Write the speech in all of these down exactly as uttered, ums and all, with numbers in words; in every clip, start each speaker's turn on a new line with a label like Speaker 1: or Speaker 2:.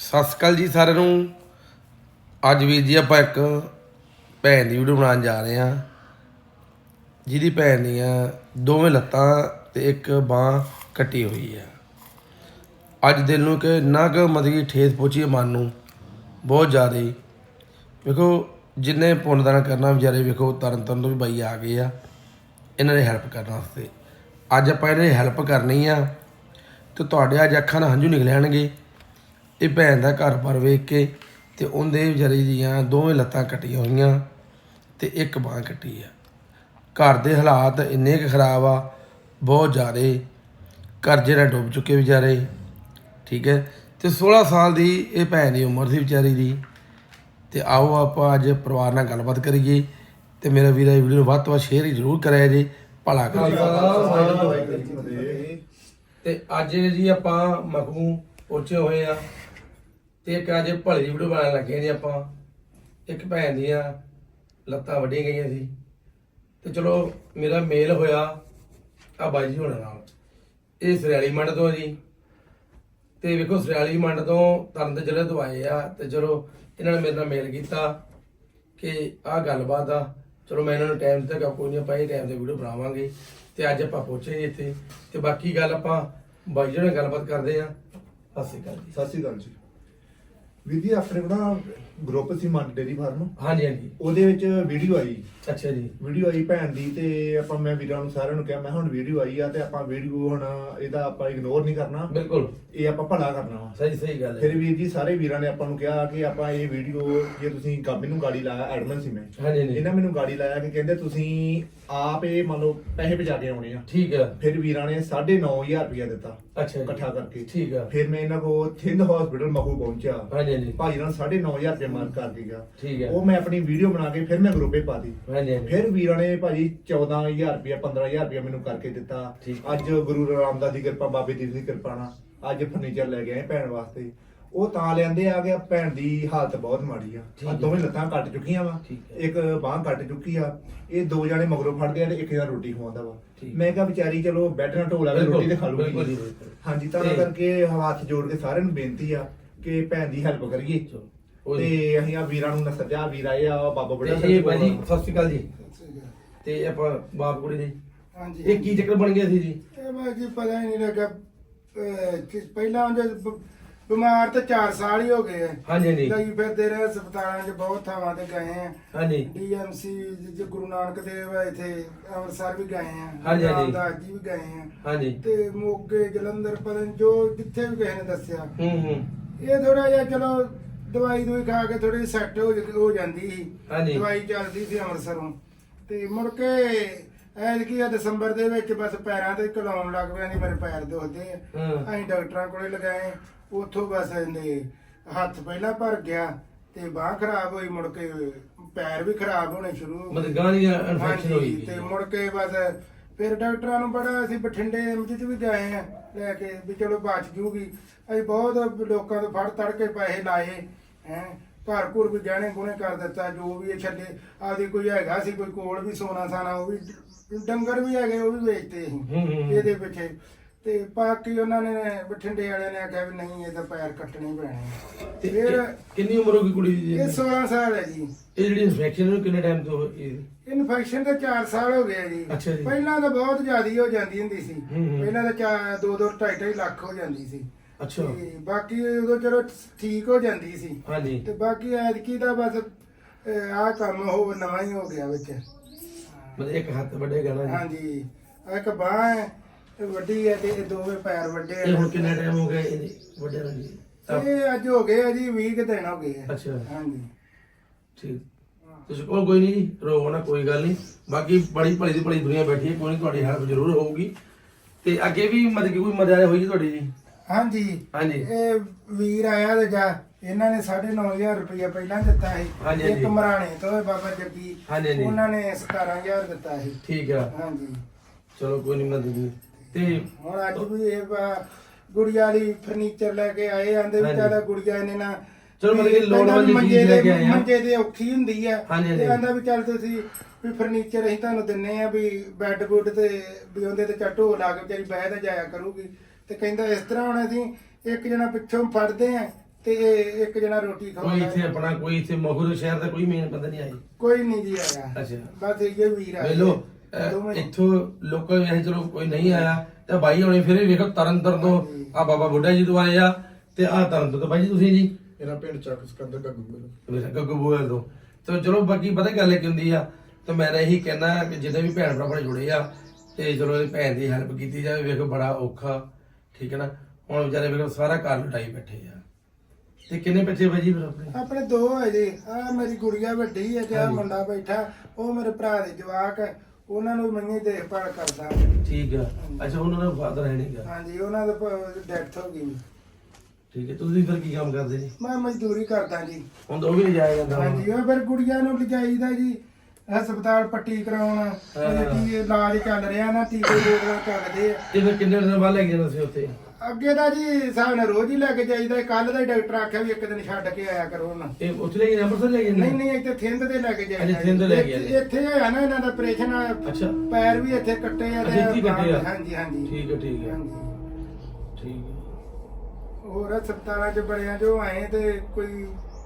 Speaker 1: ਸਤਿ ਸ਼੍ਰੀ ਅਕਾਲ ਜੀ ਸਾਰਿਆਂ ਨੂੰ। ਅੱਜ ਵੀਰ ਜੀ ਆਪਾਂ ਇੱਕ ਭੈਣ ਦੀ ਵੀਡੀਓ ਬਣਾਉਣ ਜਾ ਰਹੇ ਹਾਂ, ਜਿਹਦੀ ਭੈਣ ਦੀਆਂ ਦੋਵੇਂ ਲੱਤਾਂ ਤੇ ਇੱਕ ਬਾਂਹ ਕੱਟੀ ਹੋਈ ਆ। ਅੱਜ ਦਿਲ ਨੂੰ ਕਿ ਇੰਨਾ ਕੁ ਮਤਲਬ ਕਿ ਠੇਸ ਪਹੁੰਚੀ ਮਨ ਨੂੰ ਬਹੁਤ ਜ਼ਿਆਦਾ। ਵੇਖੋ ਜਿੰਨੇ ਪੁੰਨਦਾਨ ਕਰਨਾ ਵਿਚਾਰੇ, ਵੇਖੋ ਤਰਨ ਤਰਨ ਤੋਂ ਵੀ ਬਾਈ ਆ ਗਏ ਆ ਇਹਨਾਂ ਦੀ ਹੈਲਪ ਕਰਨ ਵਾਸਤੇ। ਅੱਜ ਆਪਾਂ ਇਹਨਾਂ ਦੀ ਹੈਲਪ ਕਰਨੀ ਆ ਤੇ ਤੁਹਾਡੇ ਅੱਜ ਅੱਖਾਂ ਨਾਲ ਹੰਝੂ ਨਿਕਲ ਆਣਗੇ। ਇਹ ਭੈਣ ਦਾ ਘਰ ਬਾਰ ਵੇਖ ਕੇ ਤੇ ਉਹਦੇ ਵਿਚਾਰੀ ਦੀਆਂ ਦੋਵੇਂ ਲੱਤਾਂ ਕੱਟੀਆਂ ਹੋਈਆਂ ਤੇ ਇੱਕ ਬਾਂਹ ਕੱਟੀ ਆ। ਘਰ ਦੇ ਹਾਲਾਤ ਇੰਨੇ ਕੁ ਖਰਾਬ ਆ, ਬਹੁਤ ਜ਼ਿਆਦਾ। ਕਰਜ਼ੇ ਨਾਲ ਡੁੱਬ ਚੁੱਕੇ ਵਿਚਾਰੇ, ਠੀਕ ਹੈ। ਤੇ ਸੋਲਾਂ ਸਾਲ ਦੀ ਇਹ ਭੈਣ ਦੀ ਉਮਰ ਸੀ ਵਿਚਾਰੀ ਦੀ। ਤੇ ਆਓ ਆਪਾਂ ਅੱਜ ਪਰਿਵਾਰ ਨਾਲ ਗੱਲਬਾਤ ਕਰੀਏ। ਤੇ ਮੇਰਾ ਵੀਰ ਇਹ ਵੀਡੀਓ ਨੂੰ ਵੱਧ ਤੋਂ ਵੱਧ ਸ਼ੇਅਰ ਜ਼ਰੂਰ ਕਰਿਆ ਜੀ, ਭਲਾ ਕਰਿਓ। ਤੇ ਅੱਜ ਜੀ ਆਪਾਂ ਮਖੂ ਪਹੁੰਚੇ ਹੋਏ ਆ ਤੇ ਇੱਕ ਅੱਜ ਭਲੇ ਦੀ ਵੀਡੀਓ ਬਣਾਉਣ ਲੱਗੇ ਜੀ ਆਪਾਂ। ਇੱਕ ਭੈਣ ਦੀਆਂ ਲੱਤਾਂ ਵੱਢੀਆਂ ਗਈਆਂ ਸੀ ਤੇ ਚਲੋ ਮੇਰਾ ਮੇਲ ਹੋਇਆ ਆ ਬਾਈ ਜੀ ਹੋਣਾ ਨਾਲ। ਇਹ ਸਰਿਆਲੀ ਮੰਡ ਤੋਂ ਜੀ। ਤੇ ਵੇਖੋ ਸਰਿਆਲੀ ਮੰਡ ਤੋਂ ਤਰਨ ਦੇ ਜ਼ਿਲ੍ਹੇ ਤੋਂ ਆਏ ਆ ਤੇ ਚਲੋ ਇਹਨਾਂ ਨੇ ਮੇਰੇ ਨਾਲ ਮੇਲ ਕੀਤਾ ਕਿ ਆਹ ਗੱਲਬਾਤ ਆ। ਚਲੋ ਮੈਂ ਇਹਨਾਂ ਨੂੰ ਟਾਈਮ ਦਿੱਤਾ, ਕੋਈ ਨਹੀਂ ਆਪਾਂ ਇਹ ਟਾਈਮ ਤੇ ਵੀਡੀਓ ਬਣਾਵਾਂਗੇ। ਤੇ ਅੱਜ ਆਪਾਂ ਪਹੁੰਚੇ ਜੀ ਇੱਥੇ ਤੇ ਬਾਕੀ ਗੱਲ ਆਪਾਂ ਬਾਈ ਜੀ ਨਾਲ ਗੱਲਬਾਤ ਕਰਦੇ ਆ। ਸਤਿ ਸ਼੍ਰੀ ਅਕਾਲ ਜੀ।
Speaker 2: ਸਤਿ ਸ਼੍ਰੀ ਅਕਾਲ ਜੀ ਵੀਰ ਜੀ। ਆਪਣੇ ਕੋਲ ਨਾ ਗਰੁੱਪ ਸੀ ਮੰਡ ਡੇਰੀ ਫਾਰਮ,
Speaker 1: ਹਾਂਜੀ ਹਾਂਜੀ,
Speaker 2: ਉਹਦੇ ਵਿੱਚ ਵੀਡੀਓ ਆਈ।
Speaker 1: ਅੱਛਾ ਜੀ।
Speaker 2: ਵੀਡੀਓ ਆਈ ਭੈਣ ਦੀ ਤੇ ਆਪਾਂ ਮੈਂ ਵੀਰਾਂ ਨੂੰ ਸਾਰਿਆਂ ਨੂੰ ਕਿਹਾ ਮੈਂ ਹੁਣ ਵੀਡੀਓ ਆਈ ਆ ਤੇ ਆਪਾਂ ਵੀਡੀਓ ਹੁਣ ਇਹਦਾ ਆਪਾਂ ਇਗਨੋਰ ਨਹੀਂ ਕਰਨਾ,
Speaker 1: ਬਿਲਕੁਲ
Speaker 2: ਇਹ ਆਪਾਂ ਭਲਾ ਕਰਨਾ ਵਾ।
Speaker 1: ਸਹੀ ਸਹੀ ਗੱਲ ਹੈ।
Speaker 2: ਫਿਰ ਵੀਰ ਜੀ ਸਾਰੇ ਵੀਰਾਂ ਨੇ ਆਪਾਂ ਨੂੰ ਕਿਹਾ ਕਿ ਆਪਾਂ ਇਹ ਵੀਡੀਓ ਜੇ ਤੁਸੀਂ ਗੱਬ ਨੂੰ ਗਾੜੀ ਲਾਇਆ, ਐਡਮਨ ਸੀ ਮੈਂ,
Speaker 1: ਹਾਂਜੀ ਹਾਂਜੀ,
Speaker 2: ਇਹਨਾਂ ਮੈਨੂੰ ਗਾੜੀ ਲਾਇਆ ਕਿ ਕਹਿੰਦੇ ਤੁਸੀਂ ਆਪ ਇਹ ਮੰਨ ਲਓ ਪੈਸੇ ਬਚਾ ਕੇ ਆਉਣੇ ਆ।
Speaker 1: ਠੀਕ ਹੈ।
Speaker 2: ਫਿਰ ਵੀਰਾਂ ਨੇ ਸਾਢੇ ਨੌ ਹਜ਼ਾਰ ਰੁਪਇਆ ਦਿੱਤਾ
Speaker 1: ਅੱਛਾ ਜੀ,
Speaker 2: ਇਕੱਠਾ ਕਰਕੇ।
Speaker 1: ਠੀਕ ਹੈ।
Speaker 2: ਫਿਰ ਮੈਂ ਇਹਨਾਂ ਕੋਲ ਥਿੰਦ ਹਸਪੀਟਲ ਮਖੂ ਪਹੁੰਚਿਆ,
Speaker 1: ਹਾਂਜੀ ਹਾਂਜੀ,
Speaker 2: ਭਾਈ ਨਾਲ ਸਾਢੇ ਨੌ ਹਜ਼ਾਰ ਰੁਪਏ ਮਾਰ ਕਰ ਕੇ ਗਿਆ।
Speaker 1: ਠੀਕ ਹੈ।
Speaker 2: ਉਹ ਮੈਂ ਆਪਣੀ ਵੀਡੀਓ ਬਣਾ ਕੇ ਫਿਰ ਮੈਂ ਗਰੁੱਪੇ ਪਾ ਦਿੱਤੀ।
Speaker 1: ਹਾਂਜੀ ਹਾਂਜੀ,
Speaker 2: ਫਿਰ ਵੀਰਾਂ ਨੇ ਭਾਜੀ ਚੌਦਾਂ ਹਜ਼ਾਰ ਰੁਪਇਆ ਪੰਦਰਾਂ ਹਜ਼ਾਰ ਰੁਪਇਆ ਮੈਨੂੰ ਕਰਕੇ ਦਿੱਤਾ।
Speaker 1: ਠੀਕ।
Speaker 2: ਅੱਜ ਗੁਰੂ ਰਾਮਦਾਸ ਦੀ ਕਿਰਪਾ, ਬਾਬੇ ਦੀਪ ਦੀ ਕਿਰਪਾ ਨਾਲ ਅੱਜ ਫਰਨੀਚਰ ਲੈ ਕੇ ਆਏ ਭੈਣ ਵਾਸਤੇ। ਉਹ ਤਾਂ ਲੈਂਦੇ ਆ ਗਿਆ, ਭੈਣ ਦੀ ਹਾਲਤ ਬਹੁਤ ਮਾੜੀ ਆ।
Speaker 1: ਠੀਕ
Speaker 2: ਆ
Speaker 1: ਹੈ।
Speaker 2: ਦੋਵੇਂ ਲੱਤਾਂ ਕੱਟ ਚੁੱਕੀਆਂ ਵਾ,
Speaker 1: ਠੀਕ ਹੈ।
Speaker 2: ਇੱਕ ਬਾਂਹ ਕੱਟ ਚੁੱਕੀ ਆ। ਇਹ ਦੋ ਜਾਣੇ ਮਗਰੋਂ ਫੜਦੇ ਆ ਤੇ ਇੱਕ ਜਣਾ ਰੋਟੀ ਖਵਾਉਂਦਾ ਵਾ।
Speaker 1: ਠੀਕ।
Speaker 2: ਮੈਂ ਕਿਹਾ ਵਿਚਾਰੀ ਚਲੋ ਬੈੱਡ ਨਾਲ ਢੋਲਾ ਕੇ
Speaker 1: ਬਿਲਕੁਲ,
Speaker 2: ਰੋਟੀ ਤੇ ਖਾ
Speaker 1: ਬਿਲਕੁਲ ਜੀ,
Speaker 2: ਲੂਗੀ।
Speaker 1: ਬਿਲਕੁਲ।
Speaker 2: ਹਾਂਜੀ, ਤਾਂ
Speaker 1: ਤੇ-
Speaker 2: ਕਰਕੇ ਹੱਥ ਜੋੜ ਕੇ ਸਾਰਿਆਂ ਨੂੰ ਬੇਨਤੀ ਆ ਕਿ ਭੈਣ ਦੀ ਹੈਲਪ ਕਰੀਏ।
Speaker 1: ਕੋਈ
Speaker 2: ਤੇ ਅਸੀਂ ਆ ਵੀਰਾਂ ਨੂੰ ਨਸਜਾ ਵੀਰ ਆਏ ਆ ਬਾਬਾ ਬੜਾ
Speaker 1: ਤੇ ਇਹ ਭਾਈ ਜੀ ਸਤਿ ਸ਼੍ਰੀ ਅਕਾਲ ਜੀ। ਤੇ ਆਪਾਂ ਬਾਪ ਕੁੜੀ ਦੇ
Speaker 3: ਹਾਂਜੀ,
Speaker 1: ਇਹ ਕੀ ਚੱਕਰ ਬਣ ਗਿਆ ਸੀ ਜੀ?
Speaker 3: ਇਹ ਮੈਂ ਜੀ ਪਤਾ ਹੀ ਨਹੀਂ ਲੱਗਾ। ਅਹ, ਕਿ ਪਹਿਲਾਂ ਉਹਦੇ ਬ- ਬਿਮਾਰ ਤਾਂ ਚਾਰ ਸਾਲ ਹੀ ਹੋ ਗਏ ਆ।
Speaker 1: ਹਾਂਜੀ ਹਾਂਜੀ,
Speaker 3: ਲਈ ਫਿਰਦੇ ਰਹੇ ਹਸਪਤਾਲਾਂ 'ਚ, ਬਹੁਤ ਥਾਵਾਂ ਤੇ ਗਏ ਆ।
Speaker 1: ਹਾਂਜੀ
Speaker 3: ਡੀਐਮਸੀ ਜੇ ਗੁਰੂ ਨਾਨਕ ਦੇਵ ਆ, ਇੱਥੇ ਅੰਮ੍ਰਿਤਸਰ ਵੀ ਗਏ ਆ,
Speaker 1: ਹਾਂਜੀ, ਹਾਂਜੀ।
Speaker 3: ਰਾਮਦਾਸ ਜੀ ਵੀ ਗਏ ਆ
Speaker 1: ਹਾਂਜੀ,
Speaker 3: ਤੇ ਮੋਗੇ ਜਲੰਧਰ ਪਤਾ ਨੀ ਜੋ ਜਿੱਥੇ ਵੀ ਕਿਸੇ ਨੇ ਦੱਸਿਆ।
Speaker 1: ਹੂੰ ਹੂੰ,
Speaker 3: ਇਹ ਥੋੜਾ ਜਿਹਾ ਚਲੋ ਦਵਾਈ ਦਵਾਈ ਖਾ ਕੇ ਥੋੜੀ ਸੈੱਟ ਹੋ ਜ- ਹੋ ਜਾਂਦੀ ਸੀ।
Speaker 1: ਹਾਂਜੀ।
Speaker 3: ਦਵਾਈ ਚੱਲਦੀ ਸੀ ਅੰਮ੍ਰਿਤਸਰੋਂ ਤੇ ਮੁੜ ਕੇ ਐਤਕੀ ਆ ਦਸੰਬਰ ਦੇ ਵਿੱਚ ਬਸ ਪੈਰਾਂ ਤੇ ਘਲਾਉਣ ਲੱਗ ਪਿਆ। ਨਹੀਂ ਮੇਰੇ ਪੈਰ ਦੁਖਦੇ ਆ।
Speaker 1: ਹਾਂ।
Speaker 3: ਅਸੀਂ ਡਾਕਟਰਾਂ ਕੋਲੇ ਲਗਾਏ, ਉੱਥੋਂ ਬਸ ਇਹਨੇ ਹੱਥ ਪਹਿਲਾਂ ਭਰ ਗਿਆ ਤੇ ਬਾਂਹ ਖਰਾਬ ਹੋਈ, ਮੁੜ ਕੇ ਪੈਰ ਵੀ ਖਰਾਬ ਹੋਣੇ ਸ਼ੁਰੂ ਹੋ ਗਏ।
Speaker 1: ਮਤਲਬ ਗਾਣੀ ਇਨਫੈਕਸ਼ਨ ਹੋਈ
Speaker 3: ਹਾਂਜੀ, ਤੇ ਮੁੜ ਕੇ ਬਸ ਫਿਰ ਡਾਕਟਰਾਂ ਨੂੰ ਬੜਾ ਅਸੀਂ ਬਠਿੰਡੇ ਐਮਜੀ ਚ ਵੀ ਗਏ ਆ ਲੈ ਕੇ ਵੀ ਚਲੋ ਬਚ ਜੂਗੀ। ਅਸੀਂ ਬਹੁਤ ਲੋਕਾਂ ਤੋਂ ਫੜ ਤੜ ਕੇ ਪੈਸੇ ਲਾਏ ਹੈ, ਘਰ ਘੁਰ ਵੀ ਗਹਿਣੇ ਗੁਣੇ ਕਰ ਦਿੱਤਾ, ਜੋ ਵੀ ਇਹ ਛੱਡੇ ਆਪਦੀ ਕੋਈ ਹੈਗਾ ਸੀ ਕੋਈ ਕੋਲ ਵੀ ਸੋਨਾ ਸਾਨਾ, ਉਹ ਵੀ ਡੰਗਰ ਵੀ ਹੈਗੇ ਉਹ ਵੀ ਵੇਚਤੇ
Speaker 1: ਹੂੰ,
Speaker 3: ਅਸੀਂ
Speaker 1: ਹੂੰ, ਹੂੰ।
Speaker 3: ਇਹਦੇ ਪਿੱਛੇ। ਤੇ ਬਾਕੀ ਉਹਨਾਂ ਨੇ ਬਠਿੰਡੇ ਵਾਲਿਆਂ ਨੇ ਆਖਿਆ ਵੀ ਨਹੀਂ ਇਹ ਤਾਂ ਪੈਰ ਕੱਟਣੇ ਪੈਣੇ।
Speaker 1: ਤੇ
Speaker 3: ਫਿਰ
Speaker 1: ਇਹ ਕਿੰਨੀ ਉਮਰ ਹੋ ਗਈ ਕੁੜੀ ਦੀ ਜੀ?
Speaker 3: ਇਹ ਸੋਲਾਂ ਸਾਲ ਹੈ ਜੀ।
Speaker 1: ਇਹ ਜਿਹੜੀ ਇਨਫੈਕਸ਼ਨ ਨੂੰ ਕਿੰਨੇ ਟਾਈਮ ਤੋਂ ਹੋਈ?
Speaker 3: ਇਨਫੈਕਸ਼ਨ ਤਾਂ ਚਾਰ ਸਾਲ ਹੋ ਗਏ ਜੀ।
Speaker 1: ਅੱਛਾ ਜੀ।
Speaker 3: ਪਹਿਲਾਂ ਤਾਂ ਬਹੁਤ ਜ਼ਿਆਦੀ ਹੋ ਜਾਂਦੀ ਹੁੰਦੀ ਸੀ।
Speaker 1: ਹੂੰ ਹੂੰ।
Speaker 3: ਪਹਿਲਾਂ ਤਾਂ ਚਾ- ਦੋ ਦੋ ਢਾਈ ਢਾਈ ਲੱਖ ਹੋ ਜਾਂਦੀ ਸੀ।
Speaker 1: ਅੱਛਾ।
Speaker 3: ਤੇ ਬਾਕੀ ਉਦੋਂ ਚਲੋ ਠੀਕ ਹੋ ਜਾਂਦੀ ਸੀ।
Speaker 1: ਹਾਂਜੀ,
Speaker 3: ਤੇ ਬਾਕੀ ਐਤਕੀ ਦਾ ਬਸ ਆਹ ਕੰਮ ਹੋ ਨਵਾਂ ਹੀ ਹੋ ਗਿਆ ਵਿੱਚ।
Speaker 1: ਮਤਲਬ ਇੱਕ ਹੱਥ ਵੱਡੇਗਾ ਨਾ ਜੀ?
Speaker 3: ਹਾਂਜੀ, ਆਹ ਇੱਕ ਬਾਂਹ ਹੈ ਇਹ ਵੱਡੀ ਹੈ ਤੇ ਇਹ ਦੋਵੇਂ ਪੈਰ ਵੱਡੇ
Speaker 1: ਇਹ ਹੁਣ
Speaker 3: ਆ।
Speaker 1: ਕਿੰਨਾ ਟਾਈਮ ਹੋ ਗਿਆ ਇਹਦੇ ਵੱਡੇ ਨੂੰ ਜੀ?
Speaker 3: ਇਹ ਅੱਜ ਹੋ ਗਏ ਆ ਜੀ ਵੀਹ ਕੁ ਦਿਨ ਹੋ ਗਏ ਆ।
Speaker 1: ਅੱਛਾ,
Speaker 3: ਹਾਂਜੀ,
Speaker 1: ਠੀਕ। ਤੁਸੀਂ ਕੋਲ ਕੋਈ ਨਹੀਂ ਜੀ, ਰੋਵੋ ਨਾ, ਕੋਈ ਗੱਲ ਨਹੀਂ। ਬਾਕੀ ਬੜੀ ਭਲੀ ਦੀ ਭਲੀ ਦੁਨੀਆ ਬੈਠੀ ਹੈ, ਕੋਈ ਨਹੀਂ, ਤੁਹਾਡੀ ਹੈਲਪ ਜ਼ਰੂਰ ਹੋਊਗੀ। ਤੇ ਅੱਗੇ ਵੀ ਮਤਲਬ ਕਿ ਕੋਈ ਮਦਦ ਹੋਈ ਜੀ ਤੁਹਾਡੀ ਜੀ?
Speaker 3: ਹਾਂਜੀ,
Speaker 1: ਹਾਂਜੀ।
Speaker 3: ਇਹ ਵੀਰ ਆਇਆ ਤੇ ਜਾ ਇਹਨਾਂ ਨੇ ਸਾਢੇ ਨੌ ਹਜ਼ਾਰ ਰੁਪਇਆ ਪਹਿਲਾਂ ਦਿੱਤਾ
Speaker 1: ਹਾਂਜੀ,
Speaker 3: ਸੀ।
Speaker 1: ਹਾਂਜੀ।
Speaker 3: ਇੱਕ ਮਰਾਣੇ ਤੋਂ ਹੈ ਬਾਬਾ ਜੱਗੀ,
Speaker 1: ਹਾਂਜੀ, ਹਾਂਜੀ।
Speaker 3: ਉਹਨਾਂ ਨੇ ਸਤਾਰਾਂ ਹਜ਼ਾਰ ਦਿੱਤਾ ਸੀ।
Speaker 1: ਠੀਕ ਆ,
Speaker 3: ਹਾਂਜੀ,
Speaker 1: ਚਲੋ ਕੋਈ ਨਹੀਂ ਮਦਦ ਦੀ। ਤੇ
Speaker 3: ਹੁਣ ਅੱਜ ਵੀ ਇਹ ਬ- ਗੁੜੀਆ ਲਈ ਫਰਨੀਚਰ ਲੈ ਕੇ ਆਏ, ਆਂਦੇ ਵੀ
Speaker 1: ਹਾਂਜੀ।
Speaker 3: ਚੱਲ ਗੁੜੀਆ ਇਹਨੇ ਨਾ
Speaker 1: ਚਲੋ ਮਤਲਬ ਕਿ
Speaker 3: ਕਹਿੰਦਾ
Speaker 1: ਲੋੜਵੰਦ
Speaker 3: ਵੀ
Speaker 1: ਚੀਜ਼
Speaker 3: ਮੰਜੇ
Speaker 1: ਲੈ
Speaker 3: ਦੇ-
Speaker 1: ਕੇ ਆਏ ਆ।
Speaker 3: ਮੰਜੇ ਦੇ ਔਖੀ ਹੁੰਦੀ ਆ।
Speaker 1: ਹਾਂਜੀ, ਹਾਂਜੀ।
Speaker 3: ਤੇ ਆਂਦਾ ਵੀ ਚੱਲ ਤੁਸੀਂ ਵੀ ਫਰਨੀਚਰ ਅਸੀਂ ਤੁਹਾਨੂੰ ਦਿੰਨੇ ਆ ਵੀ ਬੈੱਡ ਬੁੱਡ ਤੇ ਵੀ ਉਹਦੇ ਤੇ ਚੱਲ ਢੋ ਲਾ ਕੇ ਵਿਚਾਰੀ ਬਹਿ ਤੇ ਜਾਇਆ ਕਰੂਗੀ। ਤੇ ਕਹਿੰਦਾ ਇਸ ਤਰ੍ਹਾਂ ਹੁਣ ਅਸੀਂ ਇੱਕ ਜਣਾ ਪਿੱਛੋਂ ਫੜਦੇ ਆ ਤੇ ਇੱਕ ਜਣਾ ਰੋਟੀ
Speaker 1: ਕੋਈ
Speaker 3: ਖਾਉਂਦਾ
Speaker 1: ਇੱਥੇ ਆਪਣਾ ਕੋਈ ਇੱਥੇ ਮਹੂਰ ਸ਼ਹਿਰ ਦਾ ਕੋਈ ਮੇਨ ਬੰਦਾ ਨਹੀਂ ਆਈ?
Speaker 3: ਕੋਈ ਨਹੀਂ ਜੀ ਆਇਆ।
Speaker 1: ਅੱਛਾ
Speaker 3: ਬਸ ਇਹ ਵੀਰ ਆ
Speaker 1: ਵੇਲੋ ਇੱਥੋਂ ਲੋਕਾਂ ਵੇਖ ਚਲੋ ਕੋਈ ਨਹੀਂ ਆਇਆ ਤੇ ਬਾਈ ਹੋਣੀ ਫਿਰ ਵੀ ਵੇਖੋ ਤਰਨ ਤਰਨ ਤੋਂ ਆ ਬਾਬਾ ਬੁੱਢਾ ਜੀ ਤੋਂ ਆਏ ਆ ਤੇ ਆ ਤਰਨ ਤੋਂ ਬਾਈ ਜੀ ਤੁਸੀਂ ਜੀ
Speaker 4: ਮੇਰਾ ਪਿੰਡ ਚੱਕ ਸਿਕੰਦਰ ਗੱਗੂ
Speaker 1: ਮੇਰਾ ਗੱਗੂ ਬੋਲ ਤੋਂ ਤੇ ਚਲੋ ਬਾਕੀ ਪਤਾ ਗੱਲ ਕੀ ਹੁੰਦੀ ਆ ਤੇ ਮੈਂ ਤਾਂ ਇਹੀ ਕਹਿਣਾ ਕਿ ਜਿੱਦਾਂ ਵੀ ਭੈਣ ਭਰਾ ਆਪਣੇ ਜੁੜੇ ਆ ਤੇ ਚਲੋ ਇਹ ਭੈਣ ਦੀ ਹੈਲਪ ਕੀਤੀ ਜਾਵੇ। ਵੇਖੋ ਬੜਾ ਔਖਾ ਠੀਕ ਹੈ ਨਾ, ਹੁਣ ਵਿਚਾਰੇ ਵੇਖੋ ਸਾਰਾ ਘਰ ਲੁਟਾਈ ਬੈਠੇ ਆ। ਤੇ ਕਿੰਨੇ ਬੱਚੇ ਭਾਜੀ ਫਿਰ ਆਪਣੇ?
Speaker 3: ਆਪਣੇ ਦੋ ਹੈ ਜੀ। ਆ ਮੇਰੀ ਗੁੜੀਆ ਵੱਡੀ ਹੈ ਤੇ ਆ ਮੁੰਡਾ ਬੈਠਾ ਉਹ ਮੇਰੇ ਭਰਾ ਦੇ ਜਵਾਕ ਹੈ, ਉਹਨਾਂ ਨੂੰ ਮੰਗੀ ਦੇਖਭਾਲ ਕਰਦਾ।
Speaker 1: ਠੀਕ ਆ। ਅੱਛਾ ਉਹਨਾਂ ਦਾ ਫਾਦਰ ਹੈ ਨਹੀਂਗਾ?
Speaker 3: ਹਾਂਜੀ ਉਹਨਾਂ ਦਾ ਡੈਥ ਹੋ ਗਈ।
Speaker 1: ਠੀਕ ਹੈ। ਤੁਸੀਂ ਫਿਰ ਕੀ ਕੰਮ ਕਰਦੇ ਜੀ?
Speaker 3: ਮੈਂ ਮਜ਼ਦੂਰੀ ਕਰਦਾ ਜੀ।
Speaker 1: ਹੁਣ ਤਾਂ ਉਹ ਵੀ ਨਹੀਂ ਜਾਇਆ ਜਾਂਦਾ।
Speaker 3: ਹਾਂਜੀ ਉਹ ਫਿਰ ਗੁੜੀਆ ਨੂੰ ਲਿਜਾਈਦਾ ਜੀ ਹਸਪਤਾਲ ਪੱਟੀ ਕਰਾਉਣ, ਕੀ ਇਲਾਜ ਚੱਲ ਰਿਹਾ ਨਾ, ਟੀਕੇ ਲੋਕਾਂ ਚੱਲਦੇ ਆ।
Speaker 1: ਤੇ ਫਿਰ ਕਿੰਨੇ ਦਿਨ ਬਾਅਦ ਲੈ ਕੇ ਜਾਣਾ ਸੀ ਉੱਥੇ?
Speaker 3: ਅੱਗੇ ਦਾ ਜੀ ਸਾਹਿਬ ਨੇ ਰੋਜ਼ ਹੀ ਲੈ ਕੇ ਜਾਈਦਾ। ਕੱਲ ਦਾ ਹੀ ਡਾਕਟਰ ਆਖਿਆ ਵੀ ਇੱਕ ਦਿਨ ਛੱਡ ਕੇ ਆਇਆ ਕਰੋ ਨਾ।
Speaker 1: ਇਹ ਉੱਥੇ ਲੈ ਕੇ ਅੰਮ੍ਰਿਤਸਰ ਲੈ ਕੇ
Speaker 3: ਨਹੀਂ ਨਹੀਂ ਇੱਥੇ ਥਿੰਦ ਦੇ ਲੈ ਕੇ
Speaker 1: ਅੱਛਾ,
Speaker 3: ਜਾਈਦਾ।
Speaker 1: ਥਿੰਦ ਲੈ ਕੇ
Speaker 3: ਇੱਥੇ- ਇੱਥੇ ਹੋਇਆ ਨਾ ਇਹਨਾਂ ਦਾ ਆਪਰੇਸ਼ਨ।
Speaker 1: ਅੱਛਾ।
Speaker 3: ਪੈਰ ਵੀ ਇੱਥੇ ਕੱਟੇ ਆ
Speaker 1: ਅੱਛਾ, ਇੱਥੇ ਹੀ ਕੱਟੇ ਆ?
Speaker 3: ਹਾਂਜੀ ਹਾਂਜੀ
Speaker 1: ਠੀਕ ਹੈ ਠੀਕ ਹੈ
Speaker 3: ਹਾਂਜੀ।
Speaker 1: ਠੀਕ ਹੈ।
Speaker 3: ਹੋਰ ਹਸਪਤਾਲਾਂ 'ਚ ਬੜਿਆਂ ਜੋ ਆਏ ਤੇ ਕੋਈ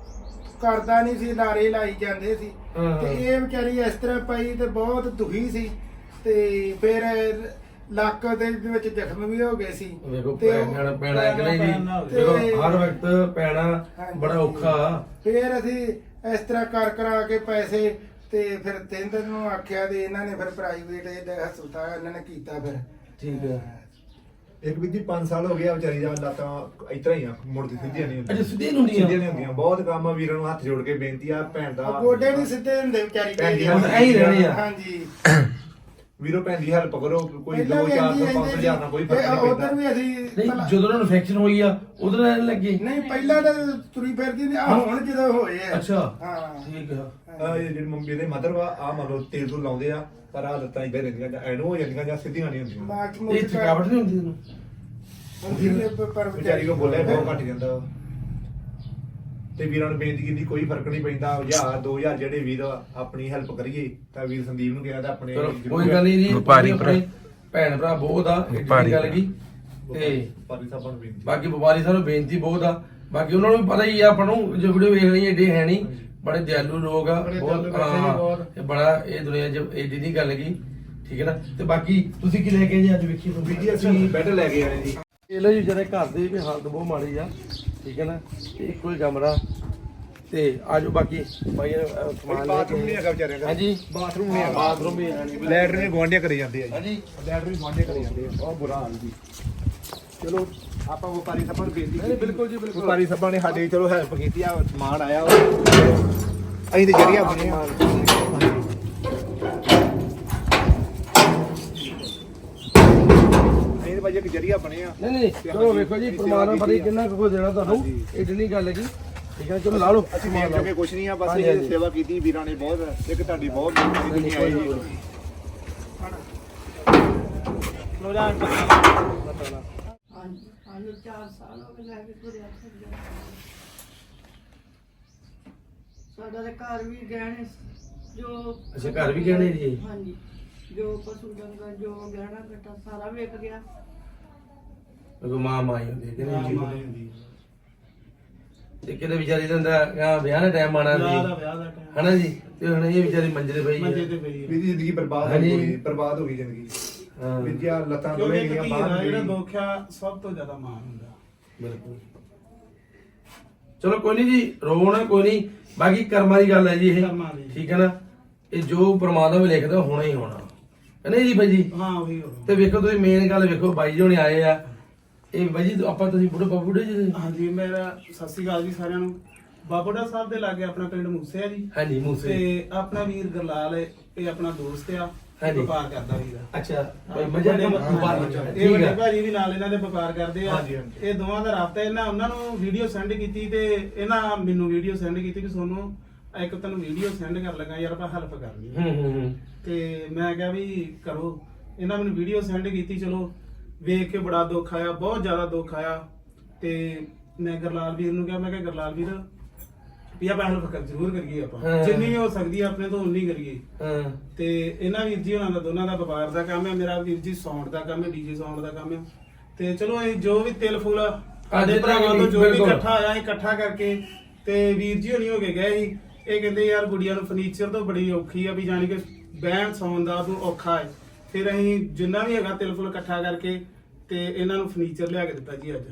Speaker 3: ਕਰਦਾ ਨਹੀਂ ਸੀ, ਲਾਰੇ ਲਾਈ ਜਾਂਦੇ ਸੀ।
Speaker 1: ਹਾਂ,
Speaker 3: ਤੇ
Speaker 1: ਹਾਂ।
Speaker 3: ਇਹ ਵਿਚਾਰੀ ਇਸ ਤਰ੍ਹਾਂ ਪਈ ਤੇ ਬਹੁਤ ਦੁਖੀ ਸੀ ਤੇ ਫਿਰ ਲੱਕ ਦੇ ਵਿੱਚ ਜ਼ਖਮ ਵੀ ਹੋ ਗਏ ਸੀ।
Speaker 1: ਵੇਖੋ
Speaker 3: ਤੇ ਉਹ-
Speaker 1: ਪੈਣਾ ਪੈਣਾ ਇੱਕ ਨਹੀਂ ਜੀ।
Speaker 3: ਤੇ-
Speaker 1: ਵੇਖੋ ਹਰ ਵਕਤ ਪੈਣਾ
Speaker 3: ਹਾਂਜੀ।
Speaker 1: ਬੜਾ ਔਖਾ।
Speaker 3: ਫਿਰ ਅਸੀਂ ਇਸ ਤਰ੍ਹਾਂ ਕਰ ਕਰਾ ਕੇ ਪੈਸੇ ਤੇ ਫਿਰ ਤਿੰਨ ਨੂੰ ਆਖਿਆ ਤੇ ਇਹਨਾਂ ਨੇ ਫਿਰ ਪ੍ਰਾਈਵੇਟ ਇਹਦਾ ਹਸਪਤਾਲ ਇਹਨਾਂ ਨੇ ਕੀਤਾ ਫਿਰ।
Speaker 1: ਠੀਕ ਹੈ।
Speaker 2: ਇੱਕ ਵੀ ਜੀ ਪੰਜ ਸਾਲ ਹੋ ਗਿਆ ਵਿਚਾਰੀ ਦਾ ਲੱਤਾਂ ਇਤਰਾ ਹੀ ਆ, ਮੁੜਦੀ ਸਿੱਧੀਆਂ ਨਹੀਂ
Speaker 1: ਅੱਛਾ
Speaker 2: ਹੁੰਦੀਆਂ।
Speaker 1: ਸਿੱਧੇ ਨੂੰ ਨਹੀਂ
Speaker 2: ਸਿੱਧੀਆਂ ਨਹੀਂ ਹੁੰਦੀਆਂ। ਬਹੁਤ ਕੰਮ ਆ, ਵੀਰਾਂ ਨੂੰ ਹੱਥ ਜੋੜ ਕੇ ਬੇਨਤੀ ਆ ਭੈਣ ਦਾ।
Speaker 3: ਗੋਡੇ ਨਹੀਂ ਸਿੱਧੇ ਹੁੰਦੇ ਵਿਚਾਰੀ
Speaker 2: ਭੈਣ ਜੀ,
Speaker 3: ਦੇ।
Speaker 2: ਹੁਣ
Speaker 1: ਐਂ ਹੀ ਰਹਿਣੇ ਆ।
Speaker 3: ਹਾਂਜੀ
Speaker 2: ਵੀਰੋ ਭੈਣ ਦੀ ਹੈਲਪ ਕਰੋ। ਕੋਈ
Speaker 3: ਪਹਿਲਾਂ
Speaker 2: ਦੋ
Speaker 3: ਵੀ
Speaker 2: ਚਾਰ
Speaker 3: ਇੰਨੀ
Speaker 2: ਤੋਂ ਪੰਜ
Speaker 3: ਇੰਨੀ
Speaker 2: ਹਜ਼ਾਰ ਨਾਲ ਕੋਈ ਫਰਕ
Speaker 3: ਤੇ
Speaker 2: ਨਹੀਂ
Speaker 3: ਉੱਧਰ
Speaker 2: ਪੈਂਦਾ।
Speaker 3: ਵੀ ਅਸੀਂ
Speaker 1: ਨਹੀਂ
Speaker 3: ਭਲਾ-
Speaker 1: ਜਦੋਂ ਉਹਨਾਂ ਨੂੰ ਇਨਫੈਕਸ਼ਨ ਹੋਈ ਆ ਉਦੋਂ ਰਹਿਣ ਲੱਗੇ?
Speaker 3: ਨਹੀਂ ਪਹਿਲਾਂ ਤਾਂ ਤੁਰੀ ਫਿਰਦੀ ਨਹੀਂ, ਆ ਹੁਣ ਜਦੋਂ ਹੋਏ ਆ।
Speaker 1: ਅੱਛਾ
Speaker 3: ਹਾਂ
Speaker 1: ਠੀਕ ਆ।
Speaker 2: ਆਹ ਇਹ ਜਿਹੜੀ ਮੰਮੀ ਦੇ ਮਦਰ ਵਾ ਆ ਮਤਲਬ ਤੇਲ ਤੋਂ ਲਾਉਂਦੇ ਆ, ਪਰ ਆ ਲੱਤਾਂ ਇਦਾਂ ਰਹਿੰਦੀਆਂ ਜਾਂ ਐਨੋ ਹੋ ਜਾਂਦੀਆਂ ਜਾਂ ਸਿੱਧੀਆਂ ਨਹੀਂ ਹੁੰਦੀਆਂ।
Speaker 3: ਮਾਰਚ
Speaker 1: ਇਹ
Speaker 3: ਮੁਰਚ
Speaker 1: ਥਕਾਵਟ ਨਹੀਂ ਹੁੰਦੀ ਤੈਨੂੰ?
Speaker 3: ਹੁੰਦੀ ਹੈ ਪਰ
Speaker 2: ਵਿਚਾਰੀ ਕੋ ਬੋਲਿਆ ਬਹੁਤ ਘੱਟ ਜਾਂਦਾ ਵਾ। ਤੇ ਵੀਰਾਂ ਨੂੰ ਬੇਨਤੀ ਕੀਤੀ ਕੋਈ ਫਰਕ ਨਹੀਂ ਪੈਂਦਾ। ਹਜ਼ਾਰ ਦੋ ਹਜ਼ਾਰ ਜਿਹੜੇ ਵੀਰ ਆਪਣੀ ਹੈਲਪ ਕਰੀਏ ਤਾਂ ਵੀਰ ਸੰਦੀਪ ਨੂੰ ਕਿਹਾ ਤਾਂ ਆਪਣੇ
Speaker 1: ਚਲੋ ਕੋਈ ਗੱਲ ਨਹੀਂ ਜੀ।
Speaker 5: ਵਪਾਰੀ
Speaker 1: ਆਪਣੇ ਭੈਣ ਭਰਾ ਬਹੁਤ ਆ, ਇਹ
Speaker 5: ਵਪਾਰੀ
Speaker 1: ਗੱਲ ਕੀ ਤੇ
Speaker 2: ਪਾਰੀ ਸਾਹਿਬਾਂ ਨੂੰ ਬੇਨਤੀ।
Speaker 1: ਬਾਕੀ ਵਪਾਰੀ ਸਾਨੂੰ ਬੇਨਤੀ ਬਹੁਤ ਆ। ਬਾਕੀ ਉਹਨਾਂ ਨੂੰ ਵੀ ਪਤਾ ਹੀ ਆ ਆਪਾਂ ਨੂੰ, ਜੋ ਵੀਡੀਓ ਵੇਖ ਰਹੀ ਏਡੇ ਹੈ ਨਹੀਂ, ਬੜੇ ਦਿਆਲੂ ਲੋਕ ਆ
Speaker 4: ਬੜੇ
Speaker 1: ਬਹੁਤ।
Speaker 4: ਦਿਆਲੂ ਬੱਚੇ ਨੇ
Speaker 1: ਹਾਂ
Speaker 4: ਬਹੁਤ।
Speaker 1: ਇਹ ਬੜਾ ਇਹ ਦੁਨੀਆ 'ਚ ਏਡੀ ਨਹੀਂ ਗੱਲ ਕੀ ਠੀਕ ਹੈ ਨਾ। ਤੇ ਬਾਕੀ ਤੁਸੀਂ ਕੀ ਲੈ ਕੇ ਜੀ ਅੱਜ ਵੇਖੀ
Speaker 2: ਵੀ ਜੀ ਅਸੀਂ ਬੈੱਡ ਲੈ ਕੇ ਆਏ ਜੀ।
Speaker 1: ਇਹ ਲੋ ਜੀ ਜਿਹੜੇ ਘਰ ਦੀ ਵੀ ਹਾਲਤ ਬਹੁਤ ਮਾੜੀ ਆ ਠੀਕ ਹੈ ਨਾ। ਤੇ ਇੱਕੋ ਹੀ ਕਮਰਾ ਤੇ ਆਜੋ ਬਾਕੀ ਭਾਈ ਅਹ, ਸਮਾਨ ਲੈ
Speaker 2: ਬਾਥਰੂਮ ਨਹੀਂ
Speaker 1: ਕੇ।
Speaker 2: ਹੈਗਾ ਵਿਚਾਰਿਆਂ ਦਾ।
Speaker 1: ਹਾਂਜੀ
Speaker 2: ਬਾਥਰੂਮ ਨਹੀਂ ਹੈਗਾ।
Speaker 1: ਬਾਥਰੂਮ ਵੀ ਹੈ ਨਹੀਂ।
Speaker 2: ਲੈਟਰ ਨੇ ਗਵਾਂਢੀਆਂ ਕਰੀ ਜਾਂਦੇ ਆ ਜੀ।
Speaker 1: ਹਾਂਜੀ
Speaker 2: ਲੈਟਰ ਵੀ ਗਵਾਂਢੀਆਂ ਕਰੀ ਜਾਂਦੇ ਆ। ਬਹੁਤ ਬੁਰਾ ਹਾਲ ਜੀ। ਚਲੋ ਆਪਾਂ ਵਪਾਰੀ ਸਾਹਿਬਾਂ ਨੂੰ ਬੇਨਤੀ
Speaker 1: ਨਹੀਂ ਬਿਲਕੁਲ ਜੀ ਬਿਲਕੁਲ।
Speaker 2: ਵਪਾਰੀ ਸਾਹਿਬਾਂ ਨੇ ਸਾਡੀ ਚਲੋ ਹੈਲਪ ਕੀਤੀ ਆ। ਸਮਾਨ ਆਇਆ ਵਾ। ਅਸੀਂ ਤੇ ਜਰੀਆ ਬਣੇ ਆ। ਅਸੀਂ ਤੇ ਭਾਜੀ ਇੱਕ ਜਰੀਆ ਬਣੇ ਆ।
Speaker 1: ਨਹੀਂ ਨਹੀਂ ਚਲੋ ਵੇਖੋ ਜੀ ਪਰਮਾਤਮਾ ਪਤਾ ਕਿੰਨਾ ਕੁ ਦੇਣਾ ਤੁਹਾਨੂੰ, ਇਹ ਨਹੀਂ ਗੱਲ ਹੈਗੀ ਠੀਕ ਹੈ। ਚਲੋ ਲਾ ਲਓ
Speaker 2: ਅਸੀਂ ਦੇਖ ਚੁੱਕੇ ਕੁਛ ਨਹੀਂ ਆ, ਬਸ
Speaker 1: ਹਾਂਜੀ,
Speaker 2: ਇਹ
Speaker 1: ਹਾਂਜੀ।
Speaker 2: ਸੇਵਾ ਕੀਤੀ ਵੀਰਾਂ ਨੇ ਬਹੁਤ। ਇੱਕ ਤੁਹਾਡੀ ਬਹੁਤ ਮਿਹਨਤ ਕੀਤੀ ਆਈ ਜੀ।
Speaker 6: ਹਾਂਜੀ ਹਾਂਜੀ ਚਾਰ ਸਾਲ ਹੋ ਗਏ ਲੈ ਕੇ ਤੁਰਿਆ ਫਿਰਦਾ। ਸਾਡਾ ਤਾਂ ਘਰ ਵੀ ਗਹਿਣੇ ਜੋ
Speaker 1: ਅੱਛਾ ਘਰ ਵੀ ਗਹਿਣੇ ਜੀ?
Speaker 6: ਹਾਂਜੀ ਜੋ ਪਸ਼ੂ ਡੰਗਰ ਜੋ ਗਹਿਣਾ ਘਟਾ ਸਾਰਾ ਵਿਕ ਗਿਆ।
Speaker 1: ਕੋਈ ਮਾਂ ਮਾਈ ਹੁੰਦੀ ਹੈ ਕਿ ਨਹੀਂ ਜੀ? ਤੇ ਕਿਤੇ ਵਿਚਾਰੀ ਦਾ ਹੁੰਦਾ ਵਿਆਹ ਦਾ ਟਾਈਮ ਆਣਾ
Speaker 4: ਵਿਆਹ ਦਾ
Speaker 1: ਸੀ
Speaker 4: ਵਿਆਹ ਦਾ time।
Speaker 1: ਹਨਾ ਜੀ। ਤੇ ਹੁਣ ਇਹ ਵਿਚਾਰੀ ਮੰਜੇ ਤੇ ਪਈ
Speaker 4: ਮੰਜੇ
Speaker 1: ਹੈ।
Speaker 4: ਤੇ ਪਈ ਹੈ।
Speaker 2: ਵੀ ਜ਼ਿੰਦਗੀ ਬਰਬਾਦ ਹੋ
Speaker 1: ਹਾਂਜੀ।
Speaker 2: ਗਈ। ਬਰਬਾਦ ਹੋ ਗਈ ਜ਼ਿੰਦਗੀ।
Speaker 1: ਹਾਂ
Speaker 2: ਵੀ ਜੀ ਆਹ ਲੱਤਾਂ
Speaker 4: ਕਿਉਂਕਿ
Speaker 2: ਦੋਵੇਂ
Speaker 4: ਇੱਕ
Speaker 2: ਗਈਆਂ
Speaker 4: ਧੀ
Speaker 2: ਬਾਹਰ
Speaker 4: ਦਾ ਜਿਹੜਾ
Speaker 2: ਗਈ।
Speaker 4: ਦੁੱਖ ਆ ਸਭ ਤੋਂ ਜ਼ਿਆਦਾ ਮਾਣ ਹੁੰਦਾ।
Speaker 1: ਬਿਲਕੁਲ। ਚਲੋ ਕੋਈ ਨਹੀਂ ਜੀ, ਰੋ ਨਾ ਕੋਈ ਨਹੀਂ। ਬਾਕੀ ਕਰਮਾਂ ਦੀ ਗੱਲ ਹੈ ਜੀ ਇਹ
Speaker 4: ਕਰਮਾਂ ਦੀ।
Speaker 1: ਠੀਕ ਹੈ ਨਾ। ਇਹ ਜੋ ਪ੍ਰਮਾਤਮਾ ਲਿਖਦਾ ਹੋਣਾ ਹੀ ਹੋਣਾ ਹੈ ਨਹੀਂ ਜੀ ਬਾਈ ਜੀ।
Speaker 4: ਹਾਂ ਉਹੀ ਹੋ
Speaker 1: ਤੇ ਵੇਖੋ ਤੁਸੀਂ ਮੇਨ ਗੱਲ ਵੇਖੋ ਬਾਈ ਜੀ ਹੁਣੇ ਆਏ ਆ। ਇਹ ਬਾਈ ਜੀ ਆਪਾਂ ਤੁਸੀਂ ਬੁੱਢੇ ਬਾਬੂ ਬੁੱਢੇ ਜੀ?
Speaker 4: ਹਾਂਜੀ ਮੇਰਾ ਸਤਿ ਸ਼੍ਰੀ ਅਕਾਲ ਜੀ ਸਾਰਿਆਂ ਨੂੰ। ਬਾਬੋੜਾ ਸਾਹਿਬ ਦੇ ਲਾਗੇ ਆਪਣਾ ਪਿੰਡ ਮੂਸੇ ਆ ਜੀ।
Speaker 1: ਹਾਂਜੀ ਮੂਸੇ।
Speaker 4: ਤੇ ਆਪਣਾ ਵੀਰ ਗਰਲਾਲ ਹੈ, ਇਹ ਆਪਣਾ ਦੋਸਤ ਆ।
Speaker 1: ਹਾਂਜੀ।
Speaker 4: ਵਪਾਰ ਕਰਦਾ ਵੀਰ।
Speaker 1: ਅੱਛਾ ਬਾਈ ਮਜ਼ਾ
Speaker 4: ਵੱਡੇ-
Speaker 1: ਵਪਾਰ
Speaker 4: ਇਹ
Speaker 1: ਠੀਕ
Speaker 4: ਵੱਡੇ
Speaker 1: ਹੈ।
Speaker 4: ਭਾਜੀ ਵੀ ਨਾਲ ਇਹਨਾਂ ਦੇ ਵਪਾਰ ਕਰਦੇ ਆ।
Speaker 2: ਹਾਂਜੀ, ਹਾਂਜੀ।
Speaker 4: ਇਹ ਦੋਵਾਂ ਦਾ ਰਾਬਤਾ। ਇਹਨਾਂ ਉਹਨਾਂ ਨੂੰ ਵੀਡੀਓ ਸੈਂਡ ਕੀਤੀ ਤੇ ਇਹਨਾਂ ਮੈਨੂੰ ਵੀਡੀਓ ਸੈਂਡ ਕੀਤੀ ਕਿ ਤੁਹਾਨੂੰ ਇੱਕ ਤੁਹਾਨੂੰ ਵੀਡੀਓ ਸੈਂਡ ਕਰ ਲਗਾ ਯਾਰ ਆਪਾਂ ਹੈਲਪ ਕਰਨੀ ਹੈ।
Speaker 1: ਹੂੰ ਹੂੰ ਹੂੰ
Speaker 4: ਤੇ ਮੈਂ ਕਿਹਾ ਵੀ ਕਰੋ। ਇਹਨਾਂ ਮੈਨੂੰ ਵੀਡੀਓ ਸੈਂਡ ਕੀਤੀ। ਚਲੋ ਵੇਖ ਕੇ ਬੜਾ ਦੁੱਖ ਆਇਆ, ਬਹੁਤ ਜ਼ਿਆਦਾ ਦੁੱਖ ਆਇਆ। ਤੇ ਮੈਂ ਗਰਲਾਲ ਵੀਰ ਨੂੰ ਕਿਹਾ, ਮੈਂ ਕਿਹਾ ਗਰਲਾਲ ਵੀਰ ਵੀ ਆਪਾਂ ਹੈਲਪ ਕਰ ਜ਼ਰੂਰ ਕਰੀਏ,
Speaker 1: ਹਾਂ।
Speaker 4: ਆਪਾਂ ਜਿੰਨੀ ਵੀ ਹੋ ਸਕਦੀ ਹੈ ਆਪਣੇ ਤੋਂ ਉਨੀ ਕਰੀਏ।
Speaker 1: ਹਾਂ
Speaker 4: ਤੇ ਇਹਨਾਂ ਵੀਰ ਜੀ ਹੋਣਾ ਦਾ ਦੋਨਾਂ ਦਾ ਵਪਾਰ ਦਾ ਕੰਮ ਹੈ। ਮੇਰਾ ਵੀਰ ਜੀ ਸਾਊਂਡ ਦਾ ਕੰਮ ਹੈ, ਡੀਜੇ ਸਾਊਂਡ ਦਾ ਕੰਮ ਹੈ। ਤੇ ਚਲੋ ਇਹ ਜੋ ਵੀ ਤਿਲ ਫੁੱਲ ਸਾਡੇ ਭਰਾਵਾਂ ਤੋਂ ਜੋ ਵੀ
Speaker 1: ਬਿਲਕੁਲ।
Speaker 4: ਇਕੱਠਾ ਆਇਆ ਸੀ ਇਕੱਠਾ ਕਰਕੇ ਤੇ ਵੀਰ ਜੀ ਹੋਣੀ ਹੋ ਕੇ ਗਏ ਸੀ। ਇਹ ਕਹਿੰਦੇ ਯਾਰ ਗੁੜੀਆ ਨੂੰ ਫਰਨੀਚਰ ਤੋਂ ਬੜੀ ਔਖੀ ਆ ਵੀ ਜਾਣੀ ਕਿ ਬਹਿਣ ਸੌਣ ਦਾ ਤੂੰ ਔਖਾ ਹੈ। ਫਿਰ ਅਸੀਂ ਜਿੰਨਾ ਵੀ ਹੈਗਾ ਤਿਲ ਫੁਲ ਇਕੱਠਾ ਕਰਕੇ ਤੇ ਇਹਨਾਂ ਨੂੰ ਫਰਨੀਚਰ ਲਿਆ ਕੇ ਦਿੱਤਾ ਜੀ ਅੱਜ।